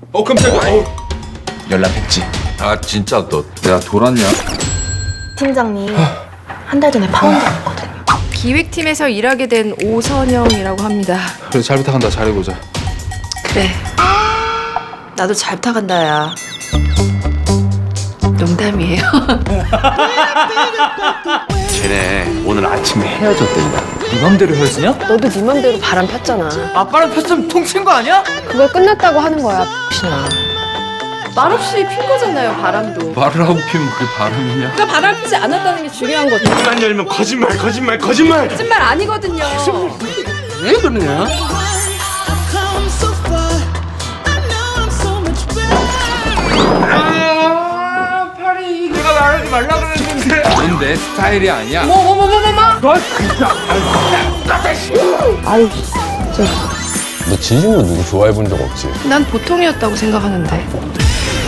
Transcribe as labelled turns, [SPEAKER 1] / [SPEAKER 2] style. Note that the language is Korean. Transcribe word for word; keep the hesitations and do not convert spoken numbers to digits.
[SPEAKER 1] 어 깜짝이야. 어.
[SPEAKER 2] 연락했지?
[SPEAKER 1] 아 진짜 너 내가 돌았냐?
[SPEAKER 3] 팀장님 한 달 전에 파혼 당했거든요.
[SPEAKER 4] 기획팀에서 일하게 된 오선영이라고 합니다.
[SPEAKER 1] 그래 잘 부탁한다. 잘해보자.
[SPEAKER 4] 그래. 나도 잘 부탁한다, 야. 농담이에요.
[SPEAKER 2] 쟤네 오늘 아침에 헤어졌댄다.
[SPEAKER 5] 네 맘대로 헤어지냐?
[SPEAKER 6] 너도 네 맘대로 바람 폈잖아.
[SPEAKER 5] 아빠랑 폈으면 통친 거 아니야?
[SPEAKER 6] 그걸 끝났다고 하는 거야, 신아.
[SPEAKER 4] 말없이 핀 거잖아요, 바람도.
[SPEAKER 1] 말을 하고 피면 그게 바람이냐?
[SPEAKER 4] 그러니까 바람 피지 않았다는 게 중요한 거죠.
[SPEAKER 2] 입만 열면 거짓말 거짓말 거짓말.
[SPEAKER 4] 거짓말 아니거든요.
[SPEAKER 2] 왜 그러냐?
[SPEAKER 1] 아 팔이 내가 말하지 말라 그랬는데. 넌 내 스타일이 아니야.
[SPEAKER 4] 뭐, 뭐, 뭐, 뭐, 뭐, 뭐.
[SPEAKER 7] 너 진심으로 누구 좋아해 본 적 없지?
[SPEAKER 4] 난 보통이었다고 생각하는데.